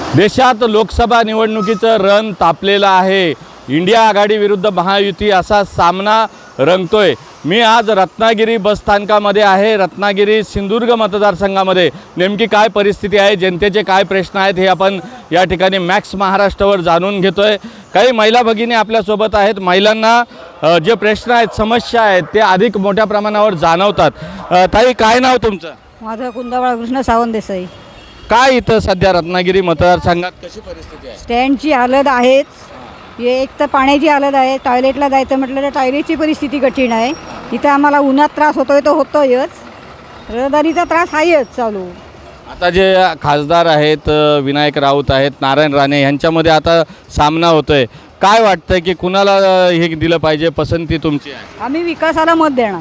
देशात लोकसभा निवडणुकीचं रण तापलेलं आहे। इंडिया आघाडी विरुद्ध महायुती असा सामना रंगतोय। मी आज रत्नागिरी बसस्थानकामध्ये आहे। रत्नागिरी सिंधुदुर्ग मतदारसंघामध्ये नेमकी काय परिस्थिती आहे, जनतेचे काय प्रश्न आहेत हे आपण या ठिकाणी मॅक्स महाराष्ट्रावर जाणून घेतोय। काही महिला भगिनी आपल्यासोबत आहेत। महिलांना जे प्रश्न आहेत, समस्या आहेत ते अधिक मोठ्या प्रमाणावर जाणवतात। ताई, काय नाव तुमचं? माझं कुंदाबाळ कृष्ण सावंत देसाई। काय इथं सध्या रत्नागिरी मतदारसंघात कशी परिस्थिती आहे? स्टँडची हालत आहेच, एक तर पाण्याची हालत आहे। टॉयलेटला जायचं म्हटलं तर टॉयलेटची परिस्थिती कठीण आहे। इथं आम्हाला उन्हात त्रास होतोय तो होतोयच, रहदारीचा त्रास आहेच चालू। आता जे खासदार आहेत, विनायक राऊत आहेत, नारायण राणे यांच्यामध्ये आता सामना होतोय। काय वाटतंय की कुणाला हे दिलं पाहिजे, पसंती तुमची आहे? आम्ही विकासाला मत देणार।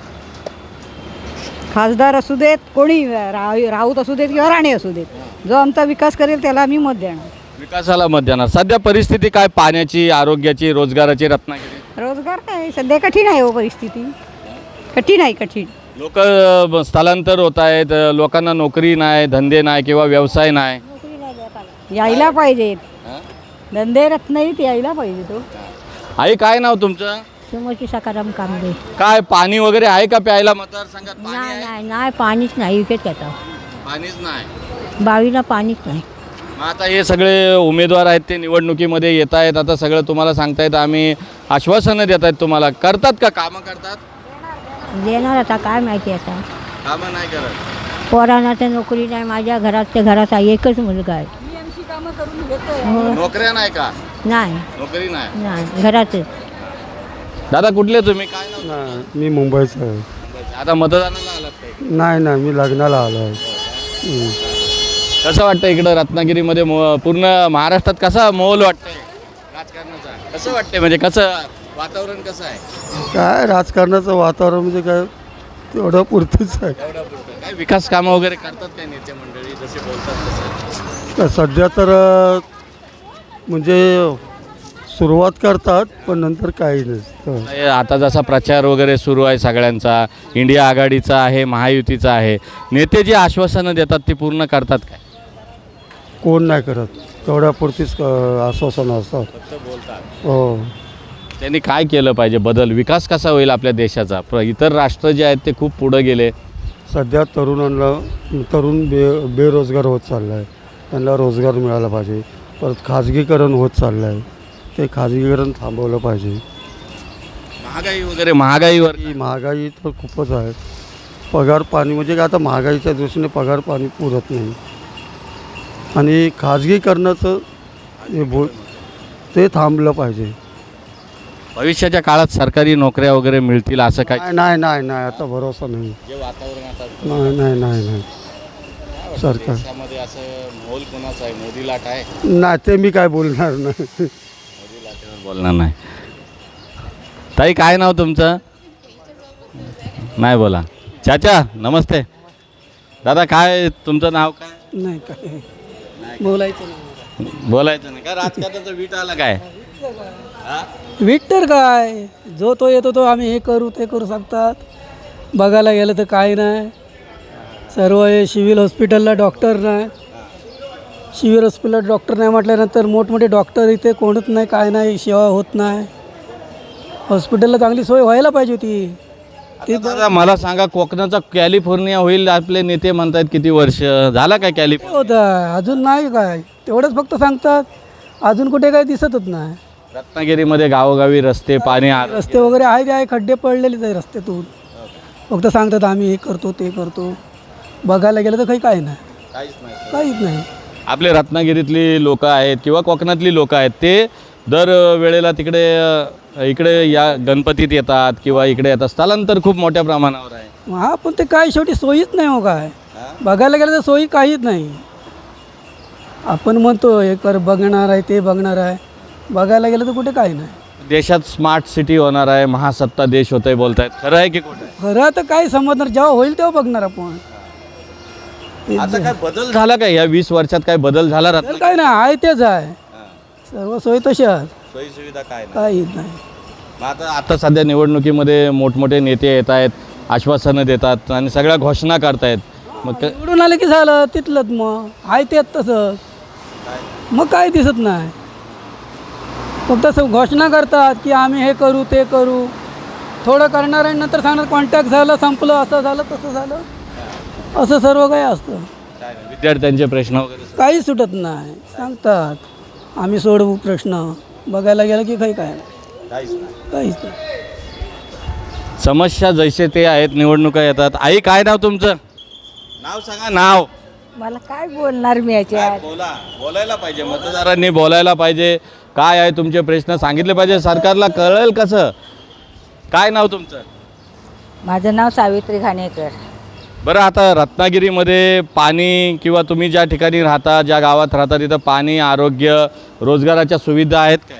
खासदार असू देत, कोणी राऊत असू देत किंवा राणे असू देत, जो आमचा विकास करेल त्याला आम्ही मत देणार। विकासाला मत देणार। सध्या परिस्थिती काय, पाण्याची, आरोग्याची, रोजगाराची रत्नागिरी? रोजगार काय सध्या कठीण आहे, हो परिस्थिती कठीण आहे, कठीण। लोक स्थलांतर होत आहेत, लोकांना नोकरी नाही, धंदे नाही किंवा व्यवसाय नाही। यायला पाहिजेत धंदे, रत्नागिरीत यायला पाहिजे तो। आई, काय नाव तुमचं? समोरची सकाराम कांबळे। काय पाणी वगैरे आहे का प्यायला मतदारसंघात? पाणी नाही आहे? नाही नाही, पाणीच नाही विकत येतं। पाणीच नाही। बावीला पाणीच नाही। मग आता हे सगळे उमेदवार आहेत ते निवडणुकीमध्ये येत आहेत, आता सगळं तुम्हाला सांगतायत, आम्ही आश्वासनं देत आहेत तुम्हाला, करतात का? कामं करतात? देणार आता काय माहिती आता। कामं नाही करत। पोरांना तर नोकरी नाही। माझ्या घरात एकच मुलगा आहे। नोकऱ्या नाही का? नाही नोकरी नाही। नाही, घरातच। दादा, कुठले तुम्ही? काय नाव? नाही, मी मुंबईचा आहे। आता मतदानाला आलात काय? नाही, मी लग्नाला आलो आहे। कसं वाटतं इकडं रत्नागिरीमध्ये? पूर्ण महाराष्ट्रात कसा माहोल वाटतंय राजकारणाचा? कसं वाटतंय, म्हणजे कसं वातावरण कसं आहे? काय राजकारणाचं वातावरण म्हणजे काय, तेवढं पुरतीच आहे। काय विकास कामं वगैरे करतात काय नेते मंडळी, जसे बोलतात तसं? तर सध्या तर म्हणजे सुरुवात करतात, पण नंतर काही नसतं। आता जसा प्रचार वगैरे सुरू आहे सगळ्यांचा, इंडिया आघाडीचा आहे, महायुतीचा आहे, नेते जी आश्वासनं देतात ती पूर्ण करतात काय? कोण नाही करत, तेवढ्यापुरतीच आश्वासनं असतात। फक्त बोलतात। हो, त्यांनी काय केलं पाहिजे, बदल, विकास कसा होईल आपल्या देशाचा? इतर राष्ट्र जे आहेत ते खूप पुढं गेले। सध्या तरुण बेरोजगार होत चाललं आहे, त्यांना रोजगार मिळाला पाहिजे। परत खाजगीकरण होत चाललं आहे, ते खाजगीकरण थांबवलं पाहिजे। महागाई वगैरे, महागाईवर ही महागाई तर खूपच आहे। पगार पाणी म्हणजे काय, आता महागाईच्या दृष्टीने पगार पाणी पुरत नाही, आणि खाजगीकरणाचं ते थांबलं पाहिजे। भविष्याच्या काळात सरकारी नोकऱ्या वगैरे मिळतील असं काय? नाही, आता भरोसा नाही। जे वातावरण आता नाही सरकार देशामध्ये असं मोल कोणाचा आहे? मोदी लाट आहे? नाही, ते मी काय बोलणार नाही। मोदी लाटेवर बोलणार नाही। ताई, काय नाव तुमचं? नाही बोला। चाचा, नमस्ते। दादा, काय तुमचं नाव काय? नाही काय बोलायचं नाही। बोलायचं नाही का? राजकारणाचं वीट आला काय? विक्टर काय, जो तो येतो तो आम्ही हे करू ते करू सांगतात। बघायला गेलं तर काय नाही, सर्व हे सिव्हिल हॉस्पिटलला डॉक्टर नाही। सिव्हिल हॉस्पिटलला डॉक्टर नाही म्हटल्यानंतर मोठमोठे डॉक्टर इथे कोणच नाही, काय नाही, सेवा होत नाही। हॉस्पिटलला चांगली सोय व्हायला पाहिजे होती ती। दादा, मला सांगा, कोकणाचा कॅलिफोर्निया होईल आपले नेते म्हणतात, किती वर्ष झाला काय कॅलिफोर्निया? होतं अजून नाही, काय तेवढंच फक्त सांगतात, अजून कुठे काही दिसतच नाही। रत्नागिरीमध्ये गावोगावी रस्ते, पाणी, रस्ते वगैरे आहे, ते आहे, खड्डे पडलेलेच आहे रस्त्यातून। फक्त सांगतात आम्ही हे करतो ते करतो, बघायला गेलं तर काही काय नाही, काहीच नाही। आपले रत्नागिरीतली लोक आहेत किंवा कोकणातली लोक आहेत, ते दर वेळेला इकडे या गणपतीत येतात किंवा इकडे येतात, स्थलांतर खूप मोठ्या प्रमाणावर आहे। हा, पण ते काय शेवटी सोयीच नाही, हो काय बघायला गेलं तर सोयी काहीच नाही। आपण म्हणतो हे कर, बघणार आहे ते बघणार आहे, बघायला गेलं तर कुठे काही नाही। देशात स्मार्ट सिटी होणार आहे, महासत्ता देश होतंय बोलतायत, खरं आहे की खोटं? खरं तर काय समजणार, जेव्हा होईल तेव्हा बघणार आपण। आता काय बदल झाला काय या 20 वर्षात? काय बदल झाला? तर काय नाही, आहे तेच आहे, सर्व सोयी तशाच, सोयी सुविधा काय काहीच नाही। आता सध्या निवडणुकीमध्ये मोठमोठे नेते येत आहेत, आश्वासनं देतात आणि सगळ्या घोषणा करतायत, मग निवडून आले की झालं तिथलंच, मग आहे तेच तसं। मग काही दिसत नाही. फक्त घोषणा करतात की आम्ही हे करू ते करू, थोडं करणार आणि नंतर सांगणार कॉन्टॅक्ट झालं, संपलं, असं झालं तसं झालं, असं सर्व काही असतं. विद्यार्थ्यांचे प्रश्न वगैरे काही सुटत नाही. सांगतात आम्ही सोडवू प्रश्न, बघायला गेलं की काही काय नाही, काहीच नाही. समस्या जैसे ते आहेत, निवडणुका येतात. आई काय नाव तुमचं? नाव सांगा. नाव मला काय बोलणार मी याच्यात. बोलायला पाहिजे, मतदारांनी बोलायला पाहिजे. काय आहे तुमचे प्रश्न सांगितले पाहिजे, सरकारला कळेल कसं. काय नाव तुमचं? माझं नाव सावित्री घाणेकर. बरं, आता रत्नागिरीमध्ये पाणी किंवा तुम्ही ज्या ठिकाणी राहता, ज्या गावात राहता, तिथं पाणी, आरोग्य, रोजगाराच्या सुविधा आहेत काय?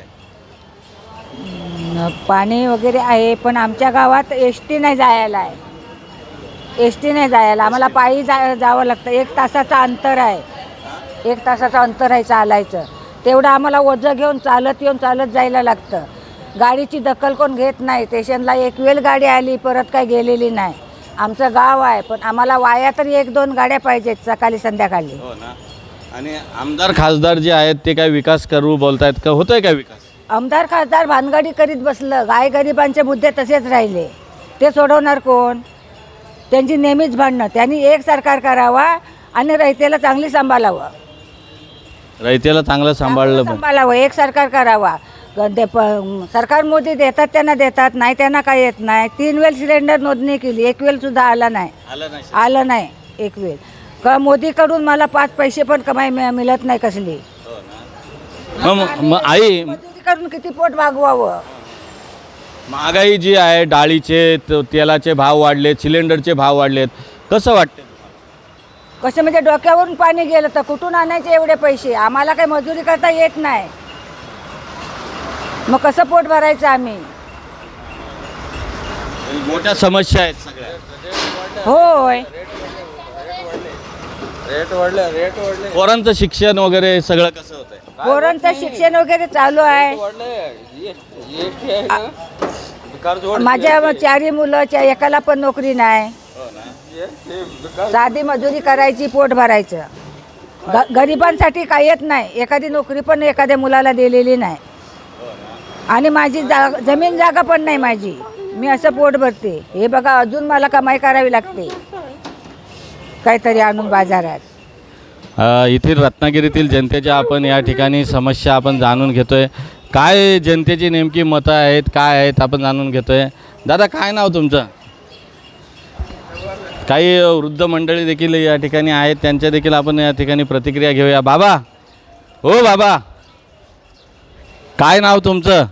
पाणी वगैरे आहे, पण आमच्या गावात एस टी नाही जायला आहे. एस टी नाही जायला, आम्हाला पायी जावं लागतं. 1 तासाचं अंतर आहे, 1 तासाचं अंतर आहे चालायचं. तेवढं आम्हाला ओझं घेऊन चालत येऊन चालत जायला लागतं. गाडीची दखल कोण घेत नाही. स्टेशनला एक वेळ गाडी आली, परत काय गेलेली नाही. आमचं गाव आहे, पण आम्हाला वाया तरी 1-2 गाड्या पाहिजेत सकाळी संध्याकाळी. हो ना. आणि आमदार खासदार जे आहेत ते काय विकास करू बोलतायत का? होतोय काय विकास? आमदार खासदार भानगडी करीत बसलं. गरिबांचे मुद्दे तसेच राहिले, ते सोडवणार कोण? त्यांची नेहमीच भांडणं. त्यांनी एक सरकार करावा आणि रयतेला चांगली सांभाळावं. रयतेला चांगलं सांभाळलं पाहिजे. सांभाळावं, एक सरकार करावा. सरकार मोदी देतात त्यांना देतात, नाही त्यांना काय येत नाही. 3 वेळ सिलेंडर नोंदणी केली, 1 वेळ सुद्धा आलं नाही 1 वेळ. का मोदीकडून मला 5 पैसे पण कमाई मिळत नाही कसली. मग आई, मोदीकडून किती पोट भागवावं. महागाई जी आहे, डाळीचे तेलाचे भाव वाढलेत, सिलेंडरचे भाव वाढलेत, कसं वाटतं? कसं म्हणजे डोक्यावरून पाणी गेलं तर कुठून आणायचे एवढे पैसे? आम्हाला काही मजुरी करता येत नाही, मग कसं पोट भरायचं आम्ही? मोठ्या समस्या आहेत सगळ्या. होय, पोरांचं शिक्षण वगैरे सगळं कसं होतंय? पोरांचं शिक्षण वगैरे चालू आहे. माझ्या 4 मुलं, एकाला पण नोकरी नाही. साधी मजुरी करायची, पोट भरायचं. गरिबांसाठी काही येत नाही. एखादी नोकरी पण एखाद्या मुलाला दिलेली नाही. आणि माझी जमीन जागा पण नाही माझी. मी असं पोट भरते. हे बघा, अजून मला कमाई करावी लागते काहीतरी आणून बाजारात. येथील रत्नागिरीतील जनतेच्या आपण या ठिकाणी समस्या आपण जाणून घेतोय. काय जनतेची नेमकी मतं आहेत, काय आहेत, आपण जाणून घेतोय. दादा काय नाव तुमचं? काही वृद्ध मंडळी देखील या ठिकाणी आहेत, त्यांच्या देखील आपण या ठिकाणी प्रतिक्रिया घेऊया. बाबा, हो बाबा, काय नाव तुमचं?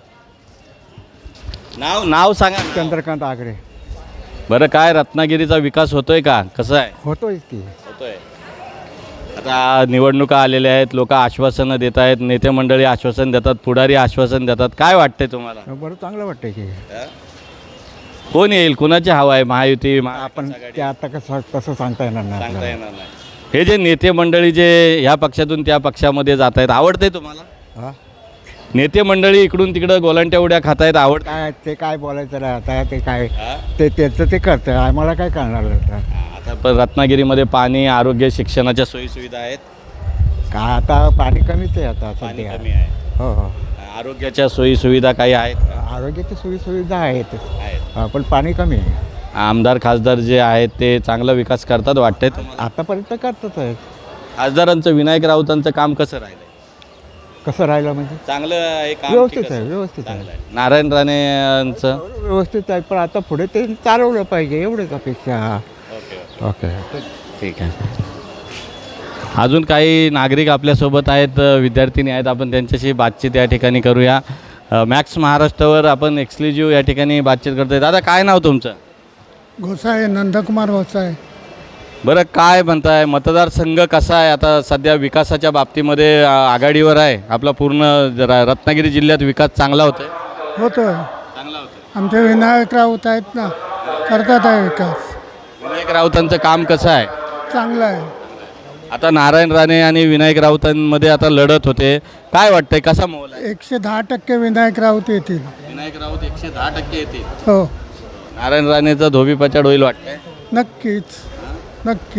नाव सांगा. चंद्रकांत आगरे. बरं, काय रत्नागिरीचा विकास होतोय का? कसं आहे? होतोय की. होतोय. आता निवडणुका आलेल्या आहेत, लोक आश्वासनं देत आहेत, नेते मंडळी आश्वासन देतात, पुढारी आश्वासन देतात. काय वाटतंय तुम्हाला? बरं, चांगलं वाटतंय की. कोण येईल, कुणाची हवा आहे? महायुती, आपण ते आता कसं तसं सांगता येणार नाही सांगता आपल्याला. येणार नाही. हे जे नेते मंडळी जे ह्या पक्षातून त्या पक्षामध्ये जात आहेत, आवडतंय तुम्हाला? हा? नेते मंडळी इकडून तिकडं गोलांट्या उड्या खात आहेत, आवड? काय ते काय बोलायचं नाही आता. ते काय ते त्याचं ते करतं, आम्हाला काय करणार आता. आता पण रत्नागिरीमध्ये पाणी, आरोग्य, शिक्षणाच्या सोयीसुविधा आहेत. काय आता पाणी कमीच आहे आता पाणी सध्या. कमी आहे. हो हो. आरोग्याच्या सोयीसुविधा काही आहेत का? आरोग्याची सोयीसुविधा आहेत, आहेत. पण पाणी कमी आहे. आमदार खासदार जे आहेत ते चांगला विकास करतात वाटतंय तुम्हाला? आतापर्यंत करतच आहे. खासदारांचं, विनायक राऊतांचं काम कसं राहिलं? कसं राहिलं म्हणजे चांगलं आहे काम? व्यवस्थित की कसं? आहे, व्यवस्थित आहे. चांगलं आहे. नारायण राणेंचं? व्यवस्थित आहे, पण आता पुढे ते चालवलं पाहिजे एवढंच अपेक्षा. Okay, okay. ठीक आहे. अजून काही नागरिक आपल्यासोबत आहेत, विद्यार्थिनी आहेत, आपण त्यांच्याशी बातचीत या ठिकाणी करूया. मॅक्स महाराष्ट्रावर आपण एक्सक्लुझिव्ह या ठिकाणी बातचीत करतोय. दादा काय नाव तुमचं? घोसाळे, नंदकुमार घोसाळे. बरं, काय म्हणताय, मतदारसंघ कसा आहे आता? सध्या विकासाच्या बाबतीमध्ये आघाडीवर आहे आपला पूर्ण रत्नागिरी जिल्ह्यात विकास चांगला होतोय? होतोय. चांगला होतोय. आमचे विनायक राऊत आहेत ना, करतात आहे विकास. विनायक राऊतांचं काम कसं आहे? चांगलं आहे. आता नारायण राणे आणि विनायक राऊतांमध्ये आता लढत होते, काय वाटतंय, कसा मोल आहे? 110% विनायक राऊत येतील. विनायक राऊत 110% येतील. हो, नारायण राणेचा धोबीपछाड होईल वाटतंय? नक्कीच, नक्की.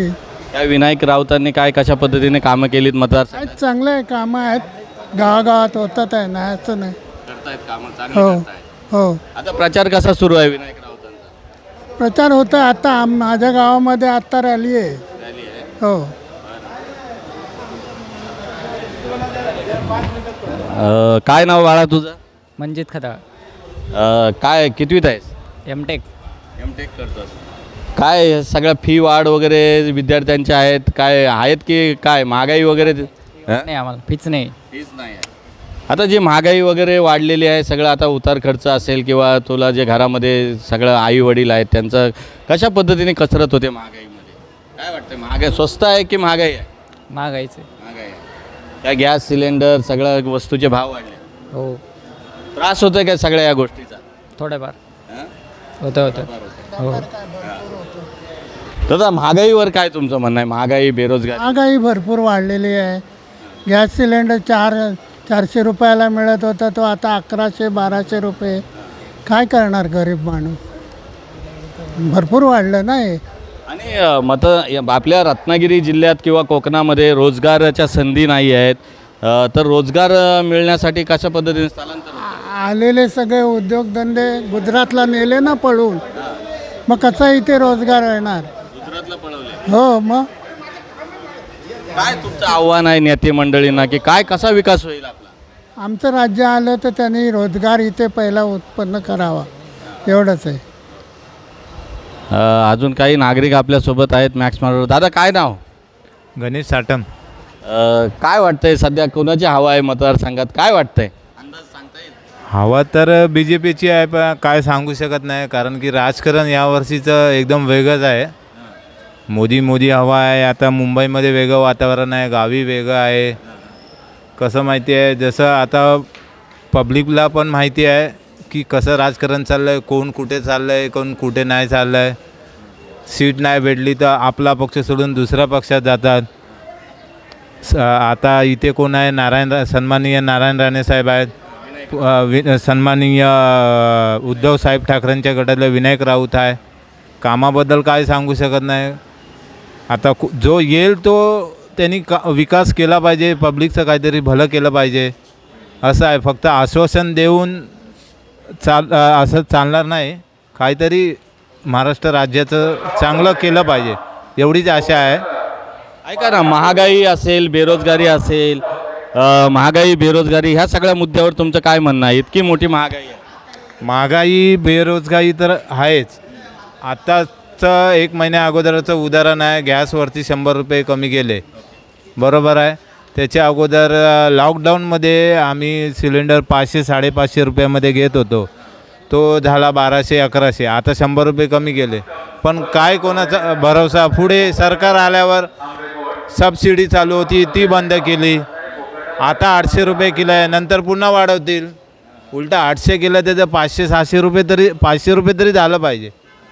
त्या विनायक राऊतांनी काय कशा पद्धतीने कामं केलीत मतदारसंघात? आहेत चांगले कामं आहेत, गावागावात होतात आहे नाही असं नाही. करतायत कामं हो चांगली करतायत. हो आता प्रचार कसा सुरू आहे विनायक राऊतांचा? प्रचार होतं आता माझ्या गावामध्ये आत्ता रॅली आहे. रॅली आहे. हो काय नाव बाळा तुझं? मंजित खताळ, काय कितवीत आहेस? एमटेक. एमटेक करतोस. काय सगळ्या फी वाढ वगैरे विद्यार्थ्यांच्या आहेत, काय आहेत की काय महागाई वगैरे? नाही, आम्हाला फीच नाही. फीच नाही आहे. आता जी महागाई वगैरे वाढलेली आहे, सगळं आता उतार खर्च असेल किंवा तुला जे घरामध्ये सगळं आई वडील आहेत त्यांचं कशा पद्धतीने कसरत होते महागाईमध्ये? काय वाटतं, महागाई स्वस्त आहे की महागाई आहे? महागाईचे. महागाई आहे. त्या गॅस सिलेंडर सगळ्या वस्तूचे भाव वाढले, हो, त्रास होतोय काय सगळ्या या गोष्टीचा? थोडंफार हां? होतं. हो, दादा महागाईवर काय तुमचं म्हणणं आहे? महागाई, बेरोजगारी? महागाई भरपूर वाढलेली आहे. गॅस सिलेंडर 400 रुपयाला मिळत होता, तो आता 1100-1200 रुपये. काय करणार गरीब माणूस? भरपूर वाढलं ना हे. आणि आपल्या रत्नागिरी जिल्ह्यात किंवा कोकणामध्ये रोजगाराच्या संधी नाही आहेत, तर रोजगार मिळण्यासाठी कशा पद्धतीने स्थलांतर होतं? आलेले सगळे उद्योगधंदे गुजरातला नेले ना पळून, मग कसा इथे रोजगार येणार? गुजरातला पळवले. हो मग काय तुमचं आव्हान आहे नेते मंडळींना की काय कसा विकास होईल आपला? आमचं राज्य आलं तर त्यांनी रोजगार इथे पहिला उत्पन्न करावा, एवढंच आहे. अजून काही नागरिक आपल्यासोबत आहेत मॅक्स मार्ग. दादा काय नाव? गणेश साटम. काय वाटतंय सध्या कोणाची हवा आहे मतदारसंघात? काय वाटतंय? अंदाज सांगता येईल? हवा तर BJPची आहे, पण काय सांगू शकत नाही, कारण की राजकारण यावर्षीचं एकदम वेगळंच आहे. मोदी हवा आहे. आता मुंबईमध्ये वेगळं वातावरण आहे, गावी वेगळं आहे. कसं माहिती आहे, जसं आता पब्लिकला पण माहिती आहे की कसं राजकारण चाललं आहे, कोण कुठे चाललं आहे, कोण कुठे नाही चाललं आहे. सीट नाही भेटली तर आपला पक्ष सोडून दुसऱ्या पक्षात जातात. आता इथे कोण आहे? सन्माननीय नारायण राणे साहेब आहेत. सन्माननीय उद्धव साहेब ठाकरेंच्या गटातले विनायक राऊत आहे. कामाबद्दल काय सांगू शकत नाही. आता जो येईल तो त्यांनी विकास केला पाहिजे, पब्लिकचं काहीतरी भलं केलं पाहिजे, असं आहे. फक्त आश्वासन देऊन असं चालणार नाही. काहीतरी महाराष्ट्र राज्याचं चांगलं केलं पाहिजे, एवढीच आशा आहे. ऐका ना, महागाई असेल, बेरोजगारी असेल, महागाई बेरोजगारी ह्या सगळ्या मुद्द्यावर तुमचं काय म्हणणं आहे? इतकी मोठी महागाई आहे. महागाई बेरोजगारी तर आहेच. आत्ताचं 1 महिन्या अगोदरचं उदाहरण आहे, गॅसवरती 100 रुपये कमी केले, बरोबर आहे. त्याच्या अगोदर लॉकडाऊनमध्ये आम्ही सिलेंडर 500-550 रुपयामध्ये घेत होतो, तो झाला 1200-1100. आता 100 रुपये कमी केले, पण काय कोणाचा भरोसा? पुढे सरकार आल्यावर सबसिडी चालू होती, ती बंद केली. आता 800 रुपये किलो आहे, नंतर पुन्हा वाढवतील. उलटा 800 केलं त्याचं 500 रुपये तरी झालं पाहिजे.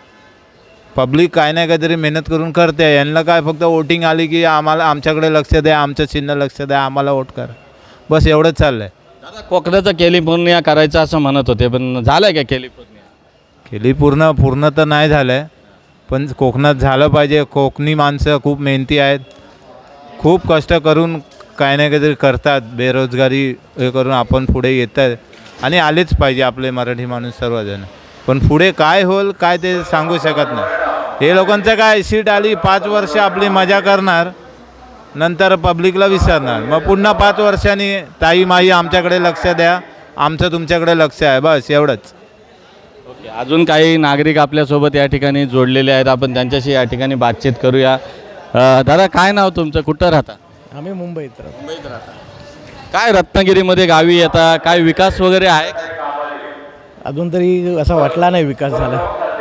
पब्लिक काय नाही काहीतरी मेहनत करून करते. यांना काय फक्त वोटिंग आली की आमच्याकडे लक्ष द्या, आमचं चिन्ह लक्ष द्या, आम्हाला वोट करा, बस एवढंच चाललं आहे. दादा कोकणाचं कॅलिफोर्निया करायचं असं म्हणत होते, पण झालं आहे का कॅलिफोर्निया? पूर्ण तर नाही झालं आहे, पण कोकणात झालं पाहिजे. कोकणी माणसं खूप मेहनती आहेत, खूप कष्ट करून काय नाही काहीतरी करतात. बेरोजगारी हे करून आपण पुढे येतात आणि आलेच पाहिजे आपले मराठी माणूस सर्वजण. पण पुढे काय होईल काय ते सांगू शकत नाही. हे लोकांचं काय, सीट आली 5 वर्ष आपली मजा करणार, नंतर पब्लिकला विसरणार. मग पुन्हा 5 वर्षांनी ताई माई आमच्याकडे लक्ष द्या, आमचं तुमच्याकडे लक्ष आहे, बस एवढंच. ओके, अजून काही नागरिक आपल्यासोबत या ठिकाणी जोडलेले आहेत, आपण त्यांच्याशी या ठिकाणी बातचीत करूया. दादा काय नाव तुमचं, कुठं राहता? आम्ही मुंबईत राहतो. मुंबईत राहता. काय रत्नागिरीमध्ये गावी येता, काय विकास वगैरे आहे का? अजून तरी असा वाटला नाही विकास झाला.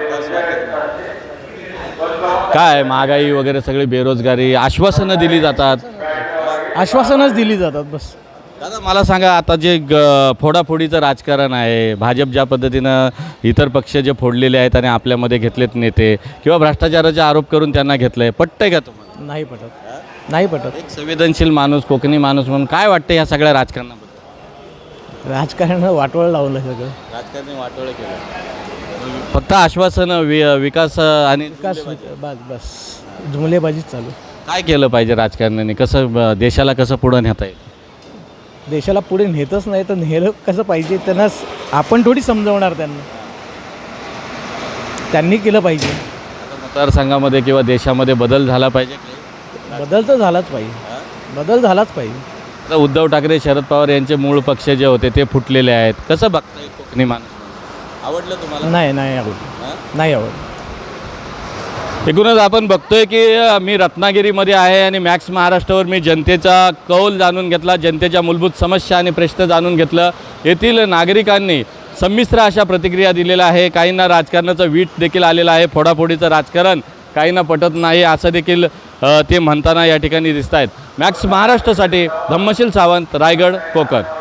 काय महागाई वगैरे सगळी बेरोजगारी, आश्वासनं दिली जातात, आश्वासनच दिली जातात बस. दादा मला सांगा, आता जे फोडाफोडीचं राजकारण आहे, भाजप ज्या पद्धतीनं इतर पक्ष जे फोडलेले आहेत आणि आपल्यामध्ये घेतलेत नेते किंवा भ्रष्टाचाराचे आरोप करून त्यांना घेतलं आहे, पटतंय का तुम्हाला? नाही पटत. एक संवेदनशील माणूस, कोकणी माणूस म्हणून काय वाटतं ह्या सगळ्या राजकारणाबद्दल? राजकारण वाटवळ लावलं सगळं. राजकारणी वाटोळं केलं, फक्त आश्वासनं, विकास आणि बस जुमलेबाजीच चालू. काय केलं पाहिजे राजकारण्यांनी, कसं देशाला कसं पुढं नेता येईल? देशाला पुढे नेतच नाही तर नेलं कसं पाहिजे त्यांना आपण थोडी समजवणार त्यांना. त्यांनी केलं पाहिजे. मतदारसंघामध्ये किंवा देशामध्ये बदल झाला पाहिजे. बदल तर झालाच पाहिजे. बदल झालाच पाहिजे. आता उद्धव ठाकरे, शरद पवार यांचे मूळ पक्ष जे होते ते फुटलेले आहेत. कसं बघताय कोकणी माणूस? आवडलं तुम्हाला? नाही आवडलं. नाही आवडलं. एकूणच आपण बघतोय की मी रत्नागिरीमध्ये आहे आणि मॅक्स महाराष्ट्रावर मी जनतेचा कौल जाणून घेतला, जनतेच्या मूलभूत समस्या आणि प्रश्न जाणून घेतलं. येथील नागरिकांनी संमिश्र अशा प्रतिक्रिया दिलेल्या आहे. काहींना राजकारणाचं वीट देखील आलेलं आहे. फोडाफोडीचं राजकारण काहींना पटत नाही असं देखील ते म्हणताना या ठिकाणी दिसत आहेत. मॅक्स महाराष्ट्रासाठी धम्मशील सावंत, रायगड, कोकण.